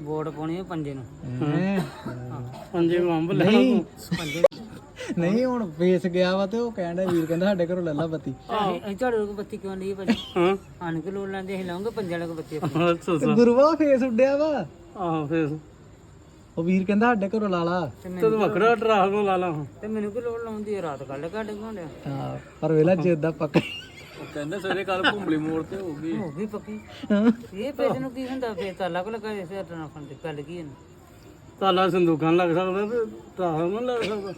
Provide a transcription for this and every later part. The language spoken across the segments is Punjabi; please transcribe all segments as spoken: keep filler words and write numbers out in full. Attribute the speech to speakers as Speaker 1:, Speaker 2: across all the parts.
Speaker 1: ਵੋਟ ਪਾਉਣੀ ਹੈ ਪੰਜੇ ਨੂੰ।
Speaker 2: ਪੰਜੇ ਨੂੰ ਅੰਬ ਲੈਣਾ
Speaker 1: ਪੰਜੇ
Speaker 3: ਨਹੀਂ ਹੁਣ ਵੇਸ ਗਿਆ ਵਾ ਤੇ ਉਹ ਕਹਿੰਦਾ ਵੀਰ ਕਹਿੰਦਾ ਸਾਡੇ ਘਰੋਂ ਲੈ ਲਾ ਬੱਤੀ।
Speaker 1: ਅਸੀਂ ਤੁਹਾਡੇ ਕੋਲ ਬੱਤੀ ਕਿਉਂ ਨਹੀਂ ਭਾਜੀ?
Speaker 2: ਹਾਂ
Speaker 1: ਆਣ ਕੇ ਲੋੜ ਲੈਂਦੇ ਅਸੀਂ ਲਾਉਂਗੇ ਪੰਜੇ ਵਾਲੇ ਕੋਲ ਬੱਤੀ ਆਪਣੀ।
Speaker 2: ਅੱਛਾ ਅੱਛਾ
Speaker 3: ਗੁਰੂਆ ਫੇਸ ਉੱਡਿਆ ਵਾ
Speaker 2: ਆਹੋ ਫੇਰ
Speaker 3: ਉਹ ਵੀਰ ਕਹਿੰਦਾ ਸਾਡੇ ਘਰੋਂ ਲਾ ਲਾ।
Speaker 1: ਤੇ
Speaker 2: ਤੂੰ
Speaker 1: ਮੈਨੂੰ
Speaker 2: ਵੱਖਰਾ ਡਰਾ ਨੂੰ ਲਾ ਲਾ ਹੁਣ।
Speaker 1: ਤੇ ਮੈਨੂੰ ਕੀ ਲੋੜ ਲਾਉਂਦੀ ਹੈ? ਰਾਤ ਕੱਢ ਕੱਢ ਘੋਂਡਿਆ
Speaker 3: ਹਾਂ ਪਰ ਵੇਲਾ ਜਿੱਦਾਂ ਪੱਕਾ
Speaker 2: ਉਹ ਕਹਿੰਦੇ ਸਵੇਰੇ ਕੱਲ ਭੁੰਬਲੀ ਮੋੜ ਤੇ ਹੋ ਗਈ
Speaker 1: ਹੋ ਗਈ ਪੱਕੀ। ਇਹ ਪੇਜ ਨੂੰ ਕੀ ਹੁੰਦਾ? ਫੇਰ ਤਾਲਾ ਕੋ ਲੱਗਾ ਇਸੇ ਹੱਥ ਫੰਡ ਤੇ ਗੱਲ ਕੀ ਹੈ?
Speaker 2: ਤਾਲਾ ਸੰਦੂਕਾਂ ਲੱਗ ਸਕਦਾ ਤੇ ਟਰਾਹ ਨੂੰ ਲੱਗ ਸਕਦਾ।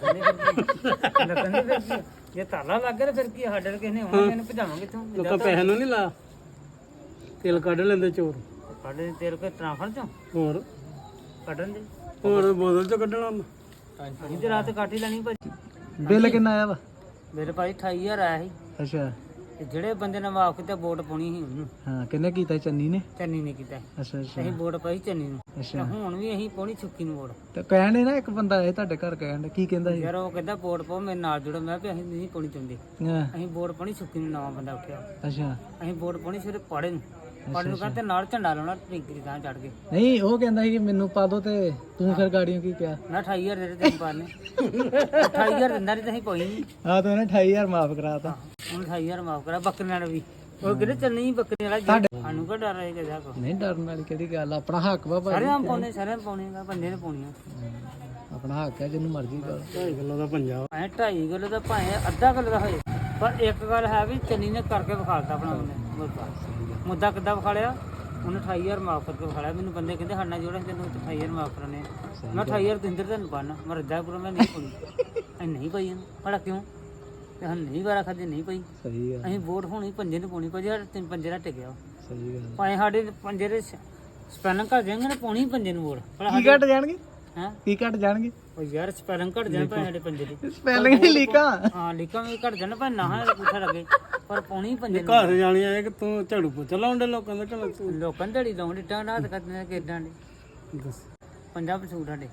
Speaker 1: ਲੱਗਣ ਦੇ ਫਿਰ ਕੀ ਆ? ਜੇ ਤਾਲਾ ਲੱਗ ਗਿਆ ਤਾਂ ਫਿਰ ਕੀ ਆ? ਸਾਡੇ ਕਿਸੇ ਨੇ ਆਉਣਾ, ਇਹਨੂੰ ਭਜਾਵਾਂਗੇ ਕਿੱਥੋਂ?
Speaker 2: ਲੋਕਾਂ ਪੈਸੇ ਨੂੰ ਨਹੀਂ ਲਾ ਤੇਲ ਕੱਢ ਲੈਂਦੇ ਚੋਰ।
Speaker 1: ਸਾਡੇ ਤੇਲ ਕੇ ਟਰਾਂਫਰ ਚੋਂ
Speaker 2: ਹੋਰ
Speaker 1: ਕੱਢਣ ਦੇ।
Speaker 2: ਹੋਰ ਬੋਤਲ ਚ ਕੱਢਣਾ ਹੁੰਦਾ।
Speaker 1: ਅਸੀਂ ਤੇ ਰਾਤ ਕੱਟ ਹੀ ਲੈਣੀ ਭਾਜੀ।
Speaker 3: ਬਿੱਲ ਕਿੰਨਾ ਆਇਆ ਵਾ?
Speaker 1: ਮੇਰੇ ਭਾਈ ਅਠਾਈ ਹਜ਼ਾਰ ਆਇਆ ਸੀ।
Speaker 3: ਅੱਛਾ
Speaker 1: ਤੇ ਜਿਹੜੇ ਬੰਦੇ ਨੇ ਮਾਫ ਕੀਤਾ ਵੋਟ ਪਾਉਣੀ ਸੀ ਉਹਨੂੰ,
Speaker 3: ਹਾਂ ਕਿੰਨੇ ਕੀਤਾ ਸੀ? ਚੰਨੀ ਨੇ।
Speaker 1: ਚੰਨੀ ਨੇ ਕੀਤਾ।
Speaker 3: ਅੱਛਾ ਅੱਛਾ
Speaker 1: ਅਸੀਂ ਵੋਟ ਪਾਈ ਚੰਨੀ ਨੂੰ। ਤੇ
Speaker 3: ਅੱਛਾ
Speaker 1: ਹੁਣ ਵੀ ਅਸੀਂ ਪਾਉਣੀ ਸੁੱਕੀ ਨੂੰ ਵੋਟ।
Speaker 3: ਤੇ ਕਹਿਣ ਨਾ ਇੱਕ ਬੰਦਾ ਆਇਆ ਤੁਹਾਡੇ ਘਰ ਕਹਿਣ ਡਿਆ, ਕੀ ਕਹਿੰਦਾ ਸੀ?
Speaker 1: ਯਾਰ ਉਹ ਕਹਿੰਦਾ ਵੋਟ ਪਾਓ ਮੇਰੇ ਨਾਲ ਜੁੜੋ। ਮੈਂ ਕਿਹਾ ਵੀ ਅਸੀਂ ਨਹੀਂ ਪਾਉਣੀ ਚਾਹੁੰਦੇ।
Speaker 3: ਹਾਂ
Speaker 1: ਅਸੀਂ ਵੋਟ ਪਾਉਣੀ ਸੁੱਕੀ ਨੂੰ। ਨਵਾਂ ਬੰਦਾ ਉੱਠਿਆ,
Speaker 3: ਅੱਛਾ
Speaker 1: ਅਸੀਂ ਵੋਟ ਪਾਉਣੀ ਸਿਰਫ ਪਾੜੇ ਨੂੰ। ਪਾੜੇ ਨੂੰ ਕਹਿੰਦੇ ਨਾਲ ਝੰਡਾ ਲਾਉਣਾ ਟਿੰਕੀ ਦੀ ਥਾਂ ਚੜ ਕੇ।
Speaker 3: ਨਹੀਂ ਉਹ ਕਹਿੰਦਾ ਸੀ ਕਿ ਮੈਨੂੰ ਪਾ ਦੋ ਤੇ ਤੂੰ ਫਿਰ ਗਾੜੀਆਂ ਕੀ ਕਿਹਾ?
Speaker 1: ਨਾ ਅਠਾਈ ਹਜ਼ਾਰ ਦੇ ਤੈਨੂੰ ਪਾਣੇ। ਅਠਾਈ ਹਜ਼ਾਰ ਦਿੰਦਾ ਨਹੀਂ ਤਾਂ ਅਸੀਂ ਪਾਈ ਨਹੀਂ।
Speaker 3: ਹਾਂ ਤਾਂ ਉਹਨੇ ਅਠਾਈ ਹਜ਼ਾਰ ਮਾਫ ਕਰਾਤਾ।
Speaker 1: ਹੁਣ ਅਠਾਈ ਹਜ਼ਾਰ ਮਾਫ ਕਰਾ। ਬੱਕਰੀਆਂ ਨੂੰ ਵੀ ਉਹ ਕਿਹੜੇ ਚੱਲਣੀ ਬੱਕਰੀ ਵਾਲਾ ਜੀ। ਸਾਨੂੰ ਕੋ ਡਰ ਹੈ ਕਿਹਦਾ ਕੋ?
Speaker 3: ਨਹੀਂ ਡਰਨ ਵਾਲੀ ਕਿਹੜੀ ਗੱਲ, ਆਪਣਾ ਹੱਕ ਵਾ ਭਾਈ।
Speaker 1: ਸਾਰੇ ਆਮ ਪਾਉਣੇ, ਸਾਰੇ ਪਾਉਣੇ ਬੰਦੇ ਨੇ ਪਾਉਣੀਆਂ।
Speaker 3: ਆਪਣਾ ਹੱਕ ਹੈ ਜਿਹਨੂੰ ਮਰਜ਼ੀ ਕਰ।
Speaker 2: ਢਾਈ ਕਿਲੋ ਦਾ ਪੰਜਾਬ
Speaker 1: ਐ ਢਾਈ ਕਿਲੋ ਦਾ ਭਾਵੇਂ ਅੱਧਾ ਕਿਲੋ ਦਾ ਹੋਏ, ਪਰ ਇੱਕ ਗੱਲ ਹੈ ਵੀ ਚੰਨੀ ਨੇ ਕਰਕੇ ਵਿਖਾਲਤਾ ਆਪਣਾ ਉਹਨੇ ਮੁੱਦਾ। ਮੁੱਦਾ ਕਿੱਦਾਂ ਵਿਖਾਲਿਆ? ਉਹਨੇ ਅਠਾਈ ਹਜ਼ਾਰ ਮਾਫ ਕਰਕੇ ਵਿਖਾਲਿਆ। ਮੈਨੂੰ ਬੰਦੇ ਕਹਿੰਦੇ ਸਾਡਾ ਜੋੜਾ ਤੈਨੂੰ ਅਠਾਈ ਹਜ਼ਾਰ ਮਾਫ ਕਰਾਣੇ। ਮੈਂ ਅਠਾਈ ਹਜ਼ਾਰ ਦਿੰਦਰ ਤੈਨੂੰ ਪਾਣਾ। ਮੈਂ ਰੱਜਾ ਪੂਰਾ ਮੈਂ ਨਹੀਂ ਪਾਉਣੀ। ਅਸੀਂ ਨਹੀਂ ਪਾਈ ਇਹਨੂੰ ਭਲਾ ਕਿਉਂ? ਤੇ ਸਾਨੂੰ ਨਹੀਂ ਵਾਰਾ ਖਾਦੇ ਨਹੀਂ ਪਈ।
Speaker 3: ਸਹੀ ਗੱਲ
Speaker 1: ਅਸੀਂ ਵੋਟ ਹੋਣੀ ਪੰਜੇ ਨੂੰ ਪਾਉਣੀ ਭਾਜੀ। ਸਾਡੇ ਤਿੰਨ ਪੰਜੇ ਦਾ ਟਿਕਿਆ।
Speaker 3: ਸਹੀ ਗੱਲ।
Speaker 1: ਭਾਵੇਂ ਸਾਡੇ ਪੰਜੇ ਦੇ ਸਪੈਲਿੰਗ ਘੱਟ ਜਾਣਗੇ ਨਾ, ਪਾਉਣੀ ਪੰਜੇ ਨੂੰ ਵੋਟ। ਭਲਾ
Speaker 3: ਕੀ ਘਟ ਜਾਣਗੇ?
Speaker 1: ਹੈਂ?
Speaker 3: ਕੀ ਘਟ ਜਾਣਗੇ?
Speaker 1: ਉਹ ਯਾਰ ਸਪੈਲਿੰਗ ਘੱਟ ਜਾਣ ਭਾਵੇਂ ਸਾਡੇ ਪੰਜੇ ਦੀ।
Speaker 3: ਸਪੈਲਿੰਗ ਹੀ ਲੀਕਾਂ।
Speaker 1: ਹਾਂ ਲੀਕਾਂ ਵੀ ਘੱਟ ਜਾਣ ਭਾਵੇਂ ਨਾ ਪੁੱਛਾ ਲੱਗੇ, ਪਰ ਪਾਉਣੀ ਪੰਜੇ ਨੂੰ।
Speaker 2: ਘਰ ਜਾਣੀਆਂ ਇਹ ਕਿ ਤੂੰ ਝਾੜੂ ਪੋਚਾ ਲਾਉਂਦੇ ਲੋਕਾਂ ਦੇ ਘਰ ਤੂੰ
Speaker 1: ਲੋਕਾਂ ਨੇ ਢੜੀ ਲਾਉਣ ਡਿੱਟਾਂ ਰਾਤ ਕਰਦੇ ਕਿਦਾਂ ਦੇ
Speaker 2: ਦੱਸ
Speaker 1: ਪੰਜਾਬ ਸੂਟ ਸਾਡੇ।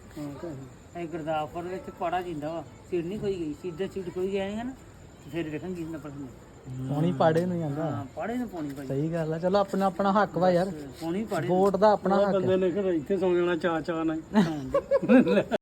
Speaker 1: ਇਹ ਗੁਰਦਾਸਪੁਰ ਵਿੱਚ ਪਾੜਾ ਜਿੰਦਾ ਵਾ। ਸੀਟ ਨਹੀਂ ਕੋਈ ਗਈ, ਸਿੱਧਾ ਸੀਟ ਕੋਈ ਗਿਆ ਨਹੀਂ ਹਨ। ਫਿਰ ਵੇਖਾਂਗੇ ਕਿੰਨਾ ਪਸੰਦ।
Speaker 3: ਪਾਣੀ ਪਾੜੇ ਨੂੰ ਜਾਂਦਾ।
Speaker 1: ਹਾਂ ਪਾੜੇ ਨੂੰ ਪਾਉਣੀ ਭਾਜੀ।
Speaker 3: ਸਹੀ ਗੱਲ ਆ। ਚਲੋ ਆਪਣਾ ਆਪਣਾ ਹੱਕ ਵਾ ਯਾਰ।
Speaker 1: ਪਾਉਣੀ ਪਾੜੇ
Speaker 3: ਵੋਟ ਦਾ ਆਪਣਾ ਹੱਕ
Speaker 2: ਬੰਦੇ ਨੇ ਫਿਰ ਇੱਥੇ ਸੌ ਜਾਣਾ ਚਾ ਚਾ ਨਾਲ